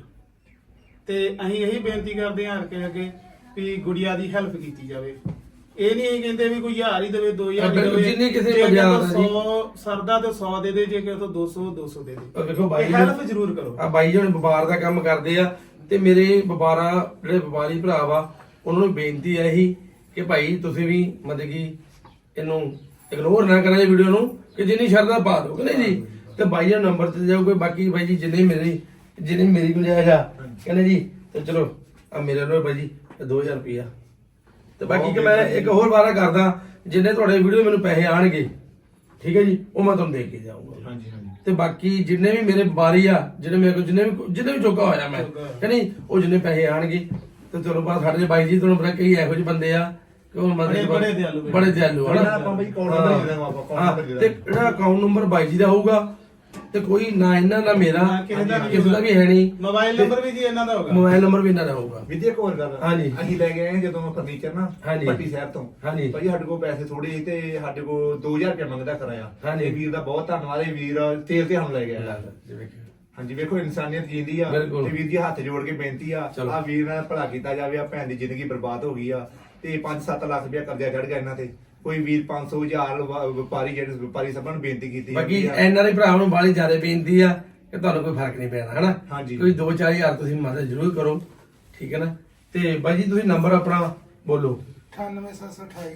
Speaker 4: ਤੇ ਅਸੀਂ ਇਹੀ ਬੇਨਤੀ ਕਰਦੇ ਹਾਂ ਕਿ ਅੱਗੇ ਵੀ ਗੁੜੀਆ ਦੀ ਹੈਲਪ ਕੀਤੀ ਜਾਵੇ। ਇਹ ਨਹੀਂ ਅਸੀਂ ਕਹਿੰਦੇ ਵੀ ਕੋਈ ਹਜ਼ਾਰ ਹੀ ਦੇਵੇ ਦੋ ਹਜ਼ਾਰ ਹੀ
Speaker 1: ਬਿਲਕੁਲ,
Speaker 4: ਦੇਵੇ।
Speaker 1: ਜਿੰਨੀ ਕਿਸੇ
Speaker 4: ਜੇ
Speaker 1: ਮਜ਼ਾਕ
Speaker 4: ਕਿਸੇ
Speaker 1: ਆ
Speaker 4: ਤੋਂ
Speaker 1: ਜੀ।
Speaker 4: ਸੌ ਸਰਦਾ ਤੇ ਸੌ ਦੇ ਦੇ, ਜੇ ਕਿਸੇ ਤੋਂ ਦੋ ਸੌ ਦੋ ਸੌ ਦੇ
Speaker 1: ਆਹ
Speaker 4: ਦੇ।
Speaker 1: ਵੇਖੋ ਬਾਈ
Speaker 4: ਹੈਲਪ ਜ਼ਰੂਰ ਕਰੋ।
Speaker 1: ਆ ਬਾਈ ਜੀ ਹੁਣ ਵਪਾਰ ਦਾ ਕੰਮ ਕਰਦੇ ਆ ਤੇ ਮੇਰੇ ਵਪਾਰਾ ਜਿਹੜੇ ਵਪਾਰੀ ਭਰਾ ਵਾ ਉਹਨਾਂ ਨੂੰ ਬੇਨਤੀ ਹੈ ਇਹੀ ਕਿ ਭਾਈ ਤੁਸੀਂ ਵੀ ਮਤਲਬ ਕਿ ਇਹਨੂੰ ਇਗਨੋਰ ਨਾ ਕਰਾਂ ਇਹ ਵੀਡੀਓ ਨੂੰ ਕਿ ਜਿੰਨੀ ਸ਼ਰਧਾ ਪਾ ਦਿਓ ਕਿ ਨਹੀਂ ਜੀ। ਤੇ ਬਾਈ ਦਾ ਨੰਬਰ ਤੇ ਜਾਓਗੇ, ਬਾਕੀ ਬਾਈ ਜੀ ਜਿੰਨੇ ਮੇਰੀ ਜਿੰਨੀ ਮੇਰੀ ਗੁੰਜਾਇਸ਼ ਆ ਕਹਿੰਦੇ ਜੀ ਤੇ ਚਲੋ ਆ ਮੇਰੇ ਨਾਲ ਬਾਈ ਜੀ ਦੋ ਹਜ਼ਾਰ ਰੁਪਇਆ ਤੇ ਬਾਕੀ ਕਿ ਮੈਂ ਇੱਕ ਹੋਰ ਵਾਰਾ ਕਰਦਾ ਜਿੰਨੇ ਤੁਹਾਡੇ ਵੀਡੀਓ ਮੈਨੂੰ ਪੈਸੇ ਆਣਗੇ ਠੀਕ ਹੈ ਜੀ ਉਹ ਮੈਂ ਤੁਹਾਨੂੰ ਦੇ ਕੇ ਜਾਊਂਗਾ।
Speaker 2: ਹਾਂਜੀ ਹਾਂਜੀ
Speaker 1: ਤੇ ਬਾਕੀ ਜਿੰਨੇ ਵੀ ਮੇਰੇ ਬਾਰੀ ਆ ਜਿਹੜੇ ਮੇਰੇ ਕੋਲ ਜਿੰਨੇ ਵੀ ਜਿੰਨੇ ਵੀ ਚੋਕਾ ਹੋਇਆ ਮੈਂ ਕਹਿੰਦੀ ਉਹ ਜਿੰਨੇ ਪੈਸੇ ਆਣਗੇ ਤੇ ਚਲੋ ਬਾਅਦ ਸਾਡੇ ਬਾਈ ਜੀ ਤੁਹਾਨੂੰ ਪਤਾ ਕਈ ਇਹੋ ਜਿਹੇ ਬੰਦੇ ਆ ਕਿ ਉਹ
Speaker 4: ਬੜੇ-
Speaker 1: ਮਤਲਬ
Speaker 4: ਬੜੇ ਦਿਆਲੂ ਬਈ।
Speaker 1: ਬੜੇ ਦਿਆਲੂ
Speaker 2: ਜਿਹੜਾ
Speaker 1: ਹਨਾ
Speaker 2: ਆਪਾਂ ਬਈ account number ਦੇ ਦੇਵਾਂ ਆਪਾਂ, account
Speaker 1: ਹਾਂ,
Speaker 2: number ਦੇ
Speaker 1: ਤੇ
Speaker 2: ਦੇਵਾਂਗੇ।
Speaker 1: ਜਿਹੜਾ ਅਕਾਊਂਟ ਨੰਬਰ ਬਾਈ ਜੀ ਦਾ ਹੋਊਗਾ ਤੇ ਕੋਈ ਨਾ ਇਹਨਾਂ ਦਾ ਮੇਰਾ
Speaker 4: ਨਾ ਕਿਸੇ ਦਾ
Speaker 1: ਕਿਸੇ ਦਾ ਵੀ ਹੈ ਨਹੀਂ।
Speaker 4: ਮੋਬਾਈਲ ਨੰਬਰ ਵੀ ਜੀ ਇਹਨਾਂ ਦਾ ਹੋਗਾ।
Speaker 1: ਮੋਬਾਈਲ ਨੰਬਰ ਵੀ ਇਹਨਾਂ ਦਾ ਹੋਊਗਾ।
Speaker 2: ਵਿਦਿਆ ਇੱਕ ਹੋਰ ਗੱਲ
Speaker 1: ਹਾਂਜੀ।
Speaker 2: ਅਸੀਂ ਲੈ ਗਏ ਜਦੋਂ ਫਰਨੀਚਰ ਨਾ
Speaker 1: ਹਾਂਜੀ।
Speaker 2: ਪੱਟੀ ਸ਼ਹਿਰ ਤੋਂ
Speaker 1: ਹਾਂਜੀ।
Speaker 2: ਭਾਈ ਸਾਡੇ ਕੋਲ ਪੈਸੇ ਥੋੜੇ ਸੀ ਤੇ ਸਾਡੇ ਕੋਲ ਦੋ ਹਜ਼ਾਰ ਰੁਪਏ ਮੰਗਦਾ ਕਰਾਇਆ।
Speaker 1: ਹਾਂਜੀ।
Speaker 2: ਇਹ ਵੀਰ ਦਾ ਬਹੁਤ ਧੰਨਵਾਦ। ਇਹ ਵੀਰ ਤੇਲ ਤੇ ਸਾਨੂੰ ਲੈ ਗਿਆ। ਹਾਂਜੀ ਵੇਖੋ ਇਨਸਾਨੀਅਤ ਜਿੰਦੀ ਆ
Speaker 1: ਬਿਲਕੁਲ।
Speaker 2: ਤੇ ਵੀਰ ਜੀ ਹੱਥ ਜੋੜ ਕੇ ਬੇਨਤੀ ਆ
Speaker 1: ਚਲੋ।
Speaker 2: ਆ ਵੀਰ ਨਾਲ ਭਲਾ ਕੀਤਾ ਜਾਵੇ। ਆ ਭੈਣ ਦੀ ਜ਼ਿੰਦਗੀ ਬਰਬਾਦ ਹੋ ਗਈ ਆ ਤੇ ਪੰਜ ਸੱਤ ਲੱਖ ਰੁਪਇਆ ਕਰਜ਼ਾ ਚੜ ਗਿਆ ਇਹਨਾਂ ਤੇ। ਕੋਈ ਵੀਰ ਪੰਜ ਸੌ ਹਜ਼ਾਰ ਵ- ਵਪਾਰੀ ਜਿਹੜੇ ਵਪਾਰੀ ਸਭਾਂ ਨੂੰ ਬੇਨਤੀ ਕੀਤੀ
Speaker 1: ਬਾਕੀ
Speaker 2: ਜਾਂਦੀ ਆ।
Speaker 1: ਐਨਆਰਆਈ ਭਰਾਵਾਂ ਨੂੰ ਬਾਲੀ ਜ਼ਿਆਦਾ ਬੇਨਤੀ ਆ ਕਿ ਤੁਹਾਨੂੰ ਕੋਈ ਫਰਕ ਨਹੀਂ ਪੈਣਾ ਹਨਾ।
Speaker 2: ਹਾਂਜੀ।
Speaker 1: ਕੋਈ ਦੋ ਚਾਰ ਹਜ਼ਾਰ ਤੁਸੀਂ ਮਦਦ ਜ਼ਰੂਰ ਕਰੋ ਠੀਕ ਹੈ ਨਾ। ਤੇ ਬਾਈ ਜੀ ਤੁਸੀਂ ਨੰਬਰ ਆਪਣਾ ਬੋਲੋ।
Speaker 3: ਅਠਾਨਵੇਂ ਸੱਤ ਸੌ ਅਠਾਈ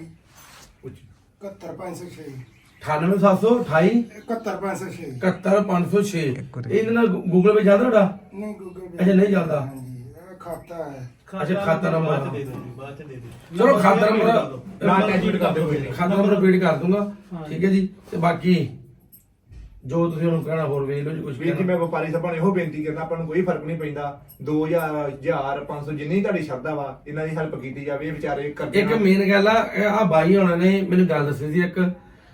Speaker 3: ਇਕਹੱਤਰ ਪੰਜ ਸੌ ਛੇ
Speaker 1: ਅਠਾਨਵੇਂ ਸੱਤ ਸੌ ਅਠਾਈ
Speaker 3: ਇਕਹੱਤਰ ਪੰਜ ਸੌ ਛੇ
Speaker 1: ਇਕਹੱਤਰ ਪੰਜ ਸੌ ਛੇ ਇਹਦੇ ਨਾਲ ਗੂਗਲ ਪੇ ਚੱਲਦਾ ਤੁਹਾਡਾ?
Speaker 3: ਨਹੀਂ ਗੂਗਲ
Speaker 1: ਅੱਛਾ, ਨਹੀਂ ਚੱਲਦਾ।
Speaker 3: ਹਾਂਜੀ ਇਹ ਖਾਤਾ ਹੈ।
Speaker 1: ਅੱਛਾ, ਖਾਤਾ ਨੰਬਰ।
Speaker 4: ਬਾਅਦ ਚ ਦੇ ਦਿਓ ਜੀ, ਬਾਅਦ ਚ ਦੇ ਦਿਓ।
Speaker 1: ਚਲੋ ਖਾਤਾ ਨੰਬਰ
Speaker 2: ਨਾ attachment ਕਰ ਦਿਓ ਕੋਈ ਨਹੀਂ।
Speaker 1: ਖਾਤਾ ਨੰਬਰ ਰਿਪੀਟ ਕਰ ਦੂੰਗਾ
Speaker 4: ਹਾਂ।
Speaker 1: ਠੀਕ ਹੈ ਜੀ। ਤੇ ਬਾਕੀ ਜੋ ਤੁਸੀਂ ਉਹਨੂੰ ਕਹਿਣਾ ਹੋਰ ਵੇਖ ਲਓ ਜੀ ਕੁਝ
Speaker 2: ਵੀਰ ਜੀ ਮੈਂ ਵਪਾਰੀ ਸਭਾ ਨੂੰ ਇਹੋ ਬੇਨਤੀ ਕਰਨਾ ਆਪਾਂ ਨੂੰ ਕੋਈ ਫਰਕ ਨਹੀਂ ਪੈਂਦਾ। ਦੋ ਹਜ਼ਾਰ ਹਜ਼ਾਰ ਪੰਜ ਸੌ ਜਿੰਨੀ ਤੁਹਾਡੀ ਸ਼ਰਧਾ ਵਾ ਇਹਨਾਂ ਦੀ ਹੈਲਪ ਕੀਤੀ ਜਾਵੇ। ਇਹ ਵਿਚਾਰੇ ਕਰਦੇ
Speaker 1: ਇੱਕ ਮੇਨ ਗੱਲ ਆ ਆ ਬਾਈ ਹੋਣਾ ਨੇ ਮੈਨੂੰ ਗੱਲ ਦੱਸੀ ਸੀ ਇੱਕ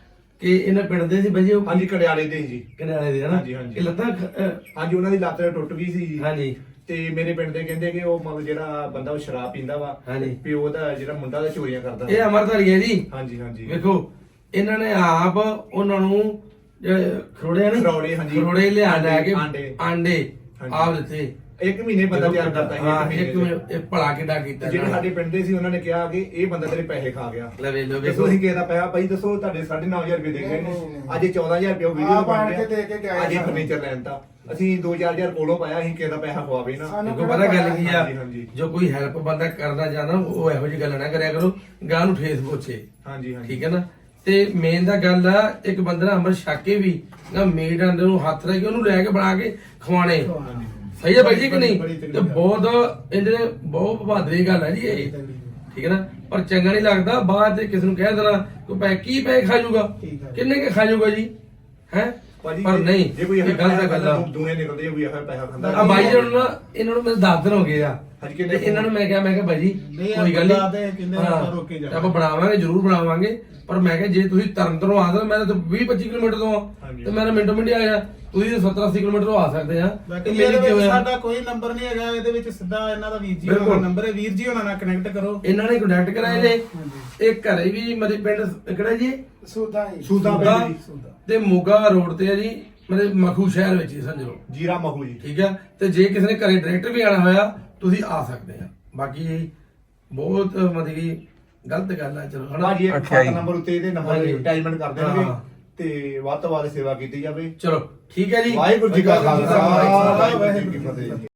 Speaker 1: ਕਿ ਇਹਨਾਂ ਪਿੰਡ ਦੇ ਸੀ ਬਾਈ ਜੀ ਉਹ
Speaker 2: ਹਾਂਜੀ ਕੜਿਆਲੇ ਦੇ ਜੀ।
Speaker 1: ਕਨਾਲੇ ਦੇ ਹਨਾ
Speaker 2: ਹਾਂਜੀ, ਹਾਂਜੀ।
Speaker 1: ਇਹ ਲੱਤਾਂ ਖ- ਅਹ,
Speaker 2: ਹਾਂਜੀ ਉਹਨਾਂ ਦੀ ਲੱਤ ਟੁੱਟ ਗਈ ਸੀ ਜੀ।
Speaker 1: ਹਾਂਜੀ
Speaker 2: ਤੇ ਮੇਰੇ ਪਿੰਡ ਦੇ ਕਹਿੰਦੇ ਕਿ ਉਹ ਮਤਲਬ ਜਿਹੜਾ ਬੰਦਾ ਉਹ ਸ਼ਰਾਬ ਪੀਂਦਾ ਵਾ
Speaker 1: ਹਾਂਜੀ।
Speaker 2: ਪਿਓ ਦਾ ਜਿਹੜਾ ਮੁੰਡਾ ਦਾ ਚੋਰੀਆਂ ਕਰਦਾ
Speaker 1: ਇਹ ਅਮਰਧਾਰੀ ਹੈ ਜੀ।
Speaker 2: ਹਾਂਜੀ ਹਾਂਜੀ
Speaker 1: ਵੇਖੋ ਇਹਨਾਂ ਨੇ ਆਪ ਉਹਨਾਂ ਨੂੰ ਜਿਹੜੇ ਖਰੋੜੇ ਨੇ
Speaker 2: ਖਰੋੜੇ, ਹਾਂਜੀ।
Speaker 1: ਖਰੋੜੇ ਲਿਆ ਲੈ ਕੇ
Speaker 2: ਆਂਡੇ।
Speaker 1: ਆਂਡੇ
Speaker 2: ਹਾਂਜੀ।
Speaker 1: ਆਪ ਦਿੱਤੇ।
Speaker 2: ਇੱਕ ਮਹੀਨੇ ਬੰਦਾ ਤਿਆਰ ਕਰਦਾ ਸੀ।
Speaker 1: ਹਾਂ,
Speaker 2: ਇੱਕ
Speaker 1: ਇੱਕ
Speaker 2: ਮਹੀਨੇ
Speaker 1: ਮਹੀਨੇ- ਇਹ ਭਲਾ ਕਿੱਡਾ
Speaker 2: ਚ।
Speaker 1: ਕੀਤਾ
Speaker 2: ਜਿਹੜੇ
Speaker 1: ਇਹਨਾਂ
Speaker 2: ਸਾਡੇ
Speaker 1: ਨੇ।
Speaker 2: ਪਿੰਡ ਦੇ ਸੀ ਉਹਨਾਂ ਨੇ ਕਿਹਾ ਕਿ ਇਹ ਬੰਦਾ ਤੇਰੇ ਪੈਸੇ ਖਾ ਗਿਆ।
Speaker 1: ਲੈ ਵੇਖ ਲਓ
Speaker 2: ਦੱਸੋ
Speaker 1: ਵੇਖੋ
Speaker 2: ਅਸੀਂ ਕਿਸੇ ਦਾ ਪੈਸਾ ਭਾਈ ਦੱਸੋ ਤੁਹਾਡੇ ਸਾਢੇ ਨੌ ਹਜ਼ਾਰ ਰੁਪਏ ਦੇ ਗਏ
Speaker 3: ਨਹੀਂ,
Speaker 2: ਨੇ
Speaker 3: ਨਹੀਂ, ਨਹੀਂ।
Speaker 2: ਅੱਜ ਇਹ ਚੌਦਾਂ ਹਜ਼ਾਰ ਰੁਪਏ ਉਹ ਵੀਡੀਓ
Speaker 3: ਆਪ ਆਣ
Speaker 2: ਬਣ
Speaker 3: ਕੇ ਦੇ ਕੇ ਗਏ
Speaker 2: ਅੱਜ ਇਹ
Speaker 3: ਸਾਨੂੰ।
Speaker 2: ਫਰਨੀਚਰ ਲੈਣ ਤਾਂ ਅਸੀਂ ਦੋ ਚਾਰ ਹਜ਼ਾਰ ਕੋਲੋਂ ਪਾਇਆ ਅਸੀਂ ਕਿਸੇ ਦਾ ਪੈਸਾ ਖਵਾਵੇ ਨਾ।
Speaker 3: ਸਾਨੂੰ
Speaker 1: ਦੇਖੋ ਪਤਾ ਗੱਲ ਕੀ ਆ
Speaker 2: ਹਾਂਜੀ, ਹਾਂਜੀ।
Speaker 1: ਜੋ ਕੋਈ ਹੈਲਪ ਬੰਦਾ ਕਰਨਾ ਚਾਹੁੰਦਾ ਉਹ ਇਹੋ ਜਿਹੀ ਗੱਲ ਨਾ ਕਰਿਆ ਕਰੋ ਗਾਂ ਨੂੰ ਠੇਸ ਪਹੁੰਚੇ
Speaker 2: ਹਾਂਜੀ ਹਾਂਜੀ
Speaker 1: ਠੀਕ ਹੈ ਨਾ। ਤੇ ਮੇਨ ਦਾ ਗੱਲ ਆ ਇੱਕ ਬੰਦੇ ਨਾਲ ਅੰਮ੍ਰਿਤ ਛਕ ਕੇ ਵੀ ਨਾ ਮੇਡ ਅੰਦਰ ਨੂੰ ਹੱਥ ਰੱਖ ਕੇ ਉਹਨੂੰ ਲੈ ਕੇ ਬਣਾ ਕੇ ਖਵਾਣੇ ਸਹੀ ਹੈ ਬਾਈ ਜੀ ਕਿ ਨਹੀਂ। ਤੇ ਬਹੁਤ ਇਹਦੇ ਬਹੁਤ ਬਹਾਦਰੀ ਗੱਲ ਹੈ ਜੀ ਇਹ ਠੀਕ ਹੈ ਨਾ। ਪਰ ਚੰਗਾ ਨਹੀਂ ਲੱਗਦਾ ਬਾਅਦ ਤੇ ਕਿਸੇ ਨੂੰ ਕਹਿ ਦੇਣਾ ਕੋਈ ਪੈ ਕੀ ਪੈ ਖਾ ਜਾਊਗਾ
Speaker 4: ਠੀਕ ਹੈ।
Speaker 1: ਕਿੰਨੇ ਕੇ ਖਾ ਜਾਊਗਾ ਜੀ ਹੈ
Speaker 2: ਭਾਜੀ
Speaker 1: ਪਰ
Speaker 2: ਜੇ-
Speaker 1: ਨਹੀਂ
Speaker 2: ਜੇ ਕੋਈ
Speaker 1: ਇਹ ਗਲਤ ਗੱਲ ਆ।
Speaker 2: ਦੂਨੇ ਨਿਕਲਦੇ ਕੋਈ ਇਹੋ ਪੈਸਾ ਖਾਂਦਾ
Speaker 1: ਆ ਬਾਈ ਜੀ ਨੂੰ ਨਾ ਇਹਨਾਂ ਨੂੰ ਮੇਰੇ ਦਸ ਦਿਨ ਹੋ ਗਏ ਆ
Speaker 2: ਹਾਂਜੀ,
Speaker 1: ਤੇ
Speaker 2: ਕਿੰਨੇ
Speaker 1: ਇਹਨਾਂ ਨੂੰ ਮੈਂ ਕਿਹਾ ਮੈਂ ਕਿਹਾ ਭਾਈ ਜੀ
Speaker 4: ਨਹੀਂ,
Speaker 1: ਕੋਈ ਗੱਲ
Speaker 4: ਬੰਦਾ ਤੇ
Speaker 1: ਨਹੀਂ
Speaker 4: ਕਹਿੰਦੇ
Speaker 1: ਹਾਂ,
Speaker 4: ਆਪਾਂ ਰੋਕ ਕੇ ਜਾਵਾਂਗੇ।
Speaker 1: ਆਪਾਂ ਬਣਾਵਾਂਗੇ ਜ਼ਰੂਰ ਬਣਾਵਾਂਗੇ ਪਰ ਮੈਂ ਕਿਹਾ ਜੇ ਤੁਸੀਂ ਤਰਨਤਰੋਂ ਆ ਸਕਦੇ ਮੈਂ ਤਾਂ ਵੀਹ ਪੱਚੀ ਕਿਲੋਮੀਟਰ ਤੋਂ ਆ
Speaker 2: ਹਾਂਜੀ।
Speaker 1: ਤੇ ਮੈਂ ਤਾਂ ਮਿੰਟੋ ਮਿੰਟ ਹੀ ਆ ਜਾ ਤੁਸੀਂ ਤਾਂ ਸੱਤਰ ਅੱਸੀ ਕਿਲੋਮੀਟਰ ਤੋਂ ਆ ਸਕਦੇ ਆ
Speaker 4: ਬਾਕੀ
Speaker 1: ਤੇ ਮੇਰੀ
Speaker 4: ਇਹਦੇ
Speaker 1: ਕੀ
Speaker 4: ਵਿੱਚ
Speaker 1: ਹੋਇਆ
Speaker 4: ਸਾਡਾ ਕੋਈ ਨੰਬਰ ਨਹੀਂ ਹੈਗਾ। ਇਹਦੇ ਵਿੱਚ ਸਿੱਧਾ ਇਹਨਾਂ ਦਾ ਵੀਰ ਜੀ
Speaker 1: ਬਿਲਕੁਲ।
Speaker 4: ਦਾ ਨੰਬਰ ਹੈ। ਵੀਰ ਜੀ ਉਹਨਾਂ ਨਾਲ ਕਨੈਕਟ ਕਰੋ।
Speaker 1: ਇਹਨਾਂ ਨੇ ਕੰਟੈਕਟ ਕਰਾਏ ਨੇ
Speaker 4: ਹਾਂਜੀ।
Speaker 1: ਇਹ ਘਰੇ ਵੀ ਮੇਰੇ ਪਿੰਡ ਕਿਹੜਾ ਜੀ
Speaker 3: ਸੂਦਾ ਹੀ
Speaker 2: ਸੂਦਾ
Speaker 1: ਸੂਦਾ
Speaker 2: ਪਿੰਡ ਜੀ।
Speaker 4: ਸੂਦਾ।
Speaker 1: ਤੇ ਮੋਗਾ ਰੋਡ ਤੇ ਆ ਜੀ ਮੇਰੇ ਮਖੂ ਸ਼ਹਿਰ ਵਿੱਚ ਹੀ ਸਮਝ ਲਓ
Speaker 2: ਜੀਰਾ ਮਹੂ ਜੀ।
Speaker 1: ਠੀਕ ਆ। ਤੇ ਜੇ ਕਿਸੇ ਨੇ ਘਰੇ ਡਾਇਰੈਕਟ ਵੀ ਆਣਾ ਹੋਇਆ ਤੁਸੀਂ ਆ ਸਕਦੇ ਆ। ਬਾਕੀ ਬਹੁਤ ਮਤਲਬ ਕਿ ਗਲਤ ਗੱਲ ਆ ਚਲੋ ਹਨਾ।
Speaker 2: ਭਾਜੀ ਇੱਕ ਖਾਤਾ ਨੰਬਰ ਉੱਤੇ ਇਹਦੇ ਨੰਬਰ
Speaker 1: ਹਾਂਜੀ।
Speaker 2: ਅਟੈਚਮੈਂਟ ਕਰ ਦੇਣਗੇ
Speaker 1: ਹਾਂ।
Speaker 2: ਤੇ ਵੱਧ ਤੋਂ ਵੱਧ ਸੇਵਾ ਕੀਤੀ ਜਾਵੇ।
Speaker 1: ਚਲੋ ਠੀਕ ਹੈ ਜੀ
Speaker 2: ਵਾਹਿਗੁਰੂ ਜੀ ਕਾ
Speaker 1: ਵਾਹਿਗੁਰੂ ਜੀ
Speaker 2: ਖਾਲਸਾ
Speaker 1: ਖਾਲਸਾ,
Speaker 2: ਵਾਹਿਗੁਰੂ ਜੀ ਕੀ ਫਤਿਹ।